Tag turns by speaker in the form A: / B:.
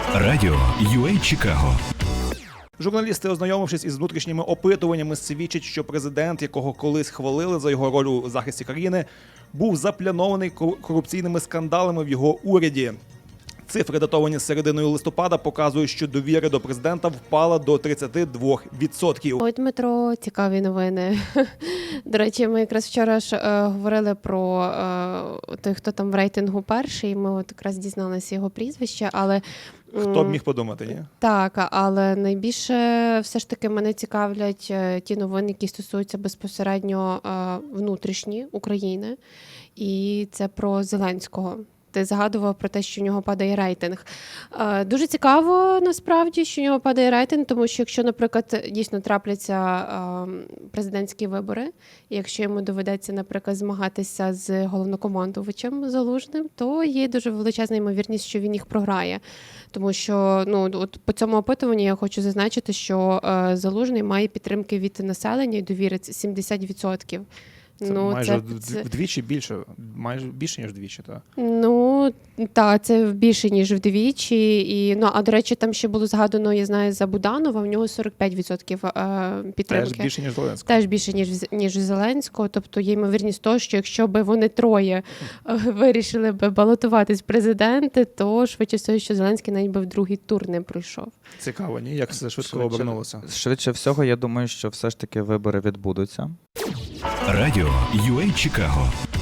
A: Радіо UA Чикаго.
B: Журналісти, ознайомившись із внутрішніми опитуваннями, свідчать, що президент, якого колись хвалили за його роль у захисті країни, був заплянований корупційними скандалами в його уряді. Цифри, датовані серединою листопада, показують, що довіра до президента впала до 32%.
C: Ой, Дмитро, цікаві новини. До речі, ми якраз вчора ж говорили про той, хто там в рейтингу перший. Ми от якраз дізналися його прізвище, але...
B: Хто б міг подумати, ні?
C: Так, але найбільше все ж таки мене цікавлять ті новини, які стосуються безпосередньо внутрішні України. І це про Зеленського. Ти згадував про те, що в нього падає рейтинг. Дуже цікаво, насправді, що в нього падає рейтинг, тому що якщо, наприклад, дійсно трапляться президентські вибори, і якщо йому доведеться, наприклад, змагатися з головнокомандувачем Залужним, то є дуже величезна ймовірність, що він їх програє. Тому що от по цьому опитуванню я хочу зазначити, що Залужний має підтримки від населення і довіри 70%.
B: Це майже вдвічі більше, майже більше, ніж вдвічі, так?
C: Так, це більше, ніж вдвічі. А, до речі, там ще було згадано, я знаю, за Буданова, в нього 45% підтримки.
B: Теж більше, ніж Зеленського.
C: Теж більше, ніж Зеленського. Тобто є ймовірність того, що якщо б вони троє вирішили б балотуватись в президенти, то швидше всього, що Зеленський навіть би в другий тур не пройшов.
B: Цікаво, ні? Як все швидко обернулося?
D: Швидше всього, я думаю, що все ж таки вибори відбудуться.
A: Радіо UA Чикаго.